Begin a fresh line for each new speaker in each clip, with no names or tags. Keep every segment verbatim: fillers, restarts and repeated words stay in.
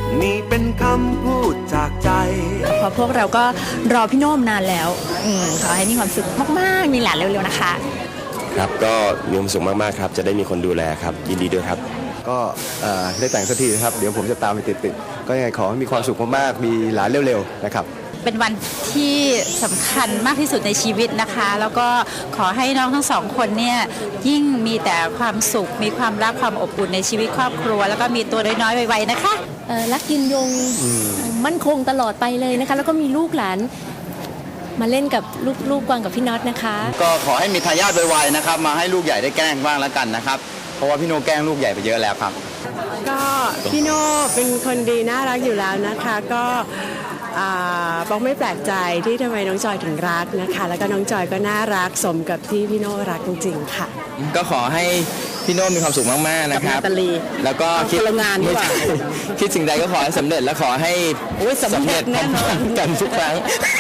นี่เป็นคำพูดจากใจ
เพราะพวกเราก็รอพี่โน้มนานแล้วอืมขอให้มีความสุขมากๆมีหลานเร็วๆนะคะ
ครับก็มีความสุขมากๆครับจะได้มีคนดูแลครับยินดีด้วยครับ
ก็ได้แต่งสักทีนะครับเดี๋ยวผมจะตามไปติดๆก็ยังไงขอให้มีความสุขมากๆมีหลานเร็วๆนะครับ
เป็นวันที่สำคัญมากที่สุดในชีวิตนะคะแล้วก็ขอให้น้องทั้งสองคนเนี่ยยิ่งมีแต่ความสุขมีความรักความอบอุ่นในชีวิตครอบครัวแล้วก็มีตัวน้อยๆไวๆนะคะ
รักยืนยงมั่นคงตลอดไปเลยนะคะแล้วก็มีลูกหลานมาเล่นกับลูกลูกกวางกับพี่น็อตนะคะ
ก็ขอให้มีทายาทไวๆนะครับมาให้ลูกใหญ่ได้แกล้งบ้างแล้วกันนะครับเพราะว่าพี่โนแกล้งลูกใหญ่ไปเยอะแล้วครับ
ก็พี่โนเป็นคนดีน่ารักอยู่แล้วนะคะก็บอกไม่แปลกใจที่ทำไมน้องจอยถึงรักนะคะแล้วก็น้องจอยก็น่ารักสมกับที่พี่โนรักจริงๆค่ะ
ก็ขอให้พี่โนมีความสุขมากๆนะครับแล้วก็คิด
งานดีกว่า
คิดสิ่งใดก็ขอให้สำเร็จและขอให้สำเร็จพร้อมกันทุกครั้ง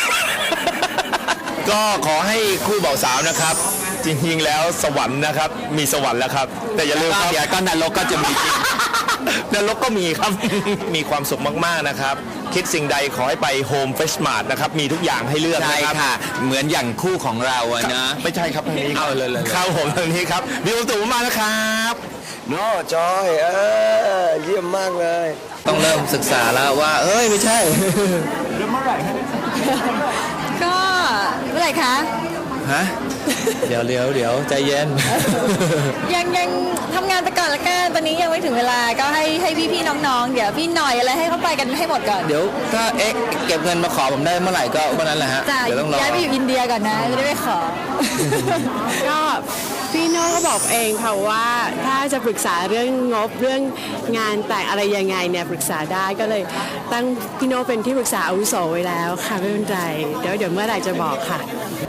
ก็ขอให้คู่บ่าวสาวนะครับจริงๆแล้วสวรรค์นะครับมีสวรรค์แล้วครับแต่อย่าลืมครับก็นรกก็จะมีจริงนรกก็มีครับมีความสุขมากๆนะครับคิดสิ่งใดขอให้ไปโฮมเฟสมาร์ทนะครับมีทุกอย่างให้เลือกนะครับ
ค่ะเหมือนอย่างคู่ของเราอะนะ
ไม่ใช่ครับทางนี้เอาเลยเลยเข้าผมทางนี้ครับมีความสุขมากนะครับ
โน่จอยเออเยี่ยมมากเลย
ต้องเริ่มศึกษาแล้วว่าเอ้ยไม่ใช่
เริ่มเมื่อไหร่
ก็เมื่อไหร่คะ
ฮะเดี๋ยวเดี๋ยวเดี๋ยวใจเย็น
ยังยังทำงานไปก่อนละกันตอนนี้ยังไม่ถึงเวลาก็ให้ให้พี่ๆน้องๆเดี๋ยวพี่หน่อยอะไรให้เขาไปกันให้หมดก่อน
เดี๋ยวถ้าเอ๊ะเก็บเงินมาขอผมได้เมื่อไหร่ก็เมื่อนั้นแหละฮะ
เดี๋ยวต้องรอย้ายไปอยู่อินเดียก่อนนะจะได้ไปขอ
ก็พี่โน้ก็บอกเองค่ะว่าถ้าจะปรึกษาเรื่องงบเรื่องงานแต่งอะไรยังไงเนี่ยปรึกษาได้ก็เลยตั้งพี่โน้เป็นที่ปรึกษาอาวุโสไว้แล้วค่ะไม่เป็นไรเดี๋ยวเดี๋ยวเมื่อไหร่จะบอกค่ะ